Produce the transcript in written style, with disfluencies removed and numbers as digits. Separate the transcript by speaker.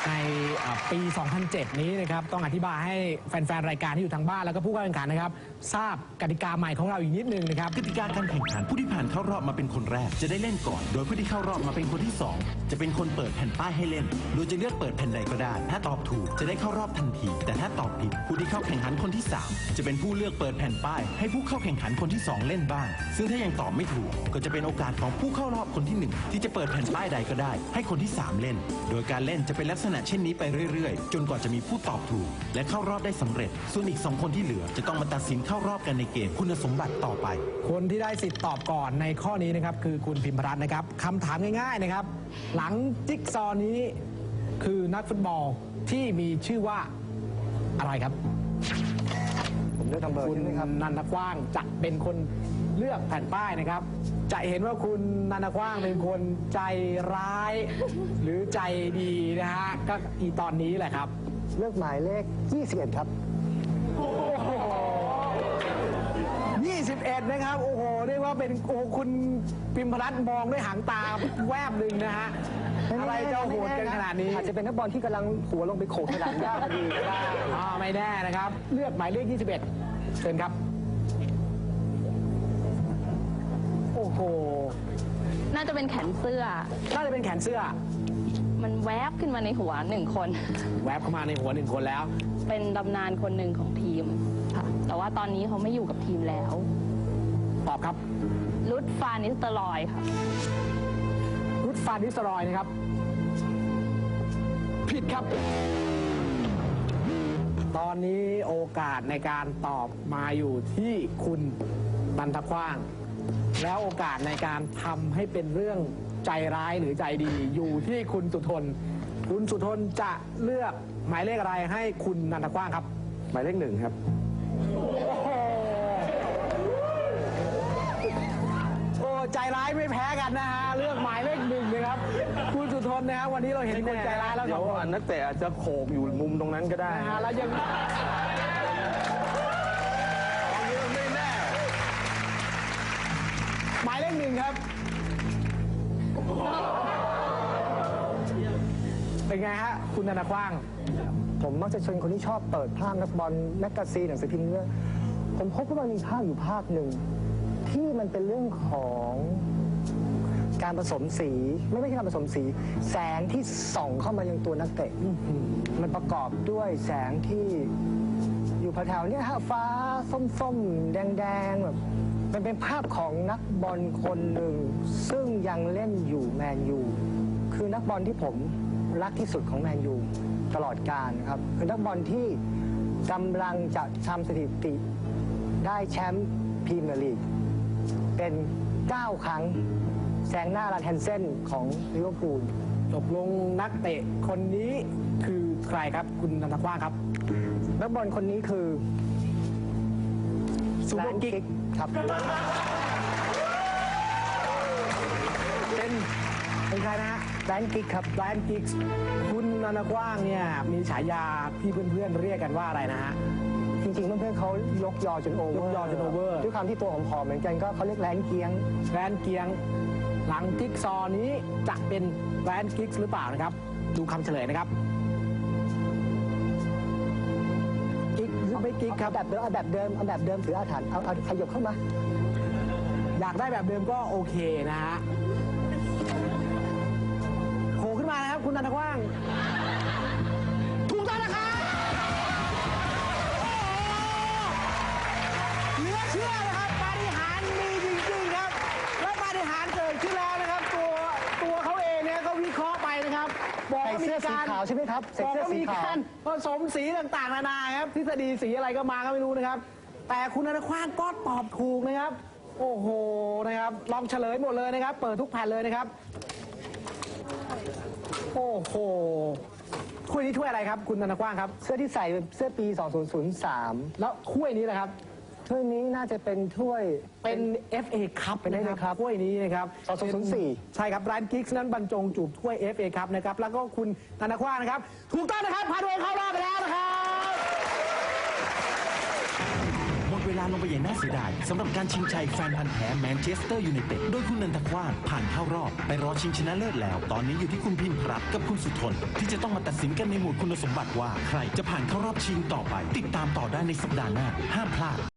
Speaker 1: ในปี 2007 นี้นะครับต้องอธิบายให้แฟนๆ รายการที่อยู่ทางบ้านแล้วก็ผู้เข้าแข่งขันนะครับทราบกติกาใหม่ของเราอีกนิดนึงนะครับ
Speaker 2: กติกาการแข่งขันผู้ที่ผ่านเข้ารอบมาเป็นคนแรกจะได้เล่นก่อนโดยผู้ที่เข้ารอบมาเป็นคนที่2จะเป็นคนเปิดแผ่นป้ายให้เล่นโดยจะเลือกเปิดแผ่นใดก็ได้ถ้าตอบถูกจะได้เข้ารอบทันทีแต่ถ้าตอบผิดผู้ที่เข้าแข่งขันคนที่3จะเป็นผู้เลือกเปิดแผ่นป้ายให้ผู้เข้าแข่งขันคนที่2เล่นบ้างซึ่งถ้ายังตอบไม่ถูกก็จะเป็นโอกาสของผู้เข้ารอบคนที่1ที่จะเปิดแผ่นป้ายใดก็ได้ให้คนที่3เล่นโดยการเล่นจะเป็นลักษณะเช่นนี้ไปเรื่อยๆจนกว่าจะมีผู้ตอบถูกและเข้ารอบได้สำเร็จส่วนอีก2คนที่เหลือจะต้องมาตัดสินเข้ารอบกันในเกมคุณสมบัติต่อไป
Speaker 1: คนที่ได้สิทธิ์ตอบก่อนในข้อนี้นะครับคือคุณพิมพรัตน์นะครับคำถามง่ายๆนะครับหลังจิ๊กซอว์นี้คือนักฟุตบอลที่มีชื่อว่าอะไรครับ
Speaker 3: ผมเลือกทำเบอร์
Speaker 1: คุณนันทกว้างจะเป็นคนเลือกแผ่นป้ายนะครับจะเห็นว่าคุณนันทกว้างเป็นคนใจร้ายหรือใจดีนะฮะก็อีตอนนี้แหละครับ
Speaker 3: เลือกหมายเลข21ครับ
Speaker 1: 21นะครับโอ้โหเรียกว่าเป็นโอ้คุณพิมพรัตน์มองด้วยหางตาแวบหนึ่งนะฮะอะไรจะโหดกันขนาดนี้
Speaker 3: อาจจะเป็นนักบอลที่กำลังหัวลงไปโขกสนามหญ้าพอดีก็ได้
Speaker 1: ไม่แน่นะครับเลือกหมายเลข21เชิญครับโอ้โห
Speaker 4: น่าจะเป็นแขนเสื้อ
Speaker 1: น่าจะเป็นแขนเสื้อ
Speaker 4: มันแวบขึ้นมาในหัว1 คน
Speaker 1: แวบเข้ามาในหัว1 คนแล้ว
Speaker 4: เป็นตำนานคนหนึ่งของทีมค่ะแต่ว่าตอนนี้เขาไม่อยู่กับทีมแล้ว
Speaker 1: ตอบครับ
Speaker 4: รุดฟานิสเตอรอยค่ะ
Speaker 1: รุดฟานิสเตอรอยนะครับผิดครับตอนนี้โอกาสในการตอบมาอยู่ที่คุณนันทกว้างแล้วโอกาสในการทำให้เป็นเรื่องใจร้ายหรือใจดีอยู่ที่คุณสุทนคุณสุทนจะเลือกหมายเลขอะไรให้คุณนันทกว้างครับ
Speaker 3: หมายเลข1ครับ
Speaker 1: โอ้ใจร้ายไม่แพ้กันนะฮะเลือกหมายเลข1เลยครับคุณสุทนนะฮะวันนี้เราเห็นคนใจร้ายแล้ว
Speaker 3: เดี๋ยวนักเตะอาจจะโขกอยู่มุมตรงนั้นก็ได้
Speaker 1: นะฮะแล้วยังไม่แน่หมายเลข1ครับเป็นไงฮะคุณนันทกว้าง
Speaker 3: ผมมักจะชวนคนที่ชอบเปิดภาพนักบอลแมกกาซีนหนังสือพิมพ์เนี่ยผมพบว่ามันมีภาพอยู่ภาพหนึ่งที่มันเป็นเรื่องของการผสมสีไม่ใช่การผสมสีแสงที่ส่องเข้ามายังตัวนักเตะมันประกอบด้วยแสงที่อยู่แถวๆนี้ฮะฟ้าส้มๆแดงๆแบบมันเป็นภาพของนักบอลคนหนึ่งซึ่งยังเล่นอยู่แมนยูคือนักบอลที่ผมรักที่สุดของแมนยูตลอดกาลครับคือนักบอลที่กำลังจะทำสถิติได้แชมป์พรีเมียร์ลีกเป็น9 ครั้งแซงหน้าลาแทนเซนของลิเวอร์พูล
Speaker 1: ตกลงนักเตะคนนี้คือใครครับคุณนันทกว้างครับ
Speaker 3: นักบอลคนนี้คือ
Speaker 1: ซูเปอร์กิ๊ก
Speaker 3: ครับ
Speaker 1: เป็นใครนะ
Speaker 3: แบรนด์กิ๊กครับ
Speaker 1: แบรนด์กิ๊กคุณนันทกว้างเนี่ยมีฉายาที่เพื่อนๆเรียกกันว่าอะไรนะฮะ
Speaker 3: จริงๆเพื่อนๆเขายกยอจนโอเวอร์ด้วยความที่ตัวผอมๆเหมือนกันก็เขาเรียกแบรนด์เกียง
Speaker 1: หลังกิ๊กซอนี้จะเป็นแบรนด์กิ๊กหรือเปล่านะครับดูคำเฉลยนะครับกิ๊กหรือไม่กิ๊กครับ
Speaker 3: แบบเดิมถืออาถรรพ์เอาขยับเข้ามา
Speaker 1: อยากได้แบบเดิมก็โอเคนะฮะโผล่ขึ้นมานะครับคุณนันทกว้างถูกต้องนะครับเหลือเชื่อนะครับปาฏิหาริย์มีจริงๆครับและปาฏิหาริย์เกิดขึ้นแล้วนะครับตัวเขาเองเนี่ยก็วิเคราะห์ไปนะครับ
Speaker 3: บอกว่ามีการขาวใช่ไหมครับ
Speaker 1: บอกว่ามีการผสมสีต่างๆนานาครับทฤษฎีสีอะไรก็มาก็ไม่รู้นะครับแต่คุณนันทกว้างก็ตอบถูกนะครับโอ้โหนะครับลองเฉลยหมดเลยนะครับเปิดทุกแผ่นเลยนะครับโอ้โหถ้วยนี้ถ้วยอะไรครับคุณนันทกว้างครับ
Speaker 3: เสื้อที่ใส่เสื้อปี2003
Speaker 1: แล้วถ้วยนี้แหละครับ
Speaker 3: ถ้วยนี้น่าจะเป็นถ้วย
Speaker 1: เป็น FA คัพ
Speaker 3: นะครับ
Speaker 1: ถ้วยนี้นะครับ
Speaker 3: 2004
Speaker 1: ใช่ครับแบรนด์กิ๊กนั้นบรรจงจูบถ้วย FA คัพนะครับแล้วก็คุณนันทกว้างนะครับถูกต้องนะครับพาด้วยเข้ารอบไปแล้วนะครับ
Speaker 2: หมดเวลาลงไปอย่างน่าเสียดายสำหรับการชิงชัยแฟนพันธ์แท้แมนเชสเตอร์ยูไนเต็ดโดยคุณนันทกว้างผ่านเข้ารอบไปรอชิงชนะเลิศแล้วตอนนี้อยู่ที่คุณพิมพ์รัตน์กับคุณสุทนที่จะต้องมาตัดสินกันในหมวดคุณสมบัติว่าใครจะผ่านเข้ารอบชิงต่อไปติดตามต่อได้ในสัปดาห์หน้าห้ามพลาด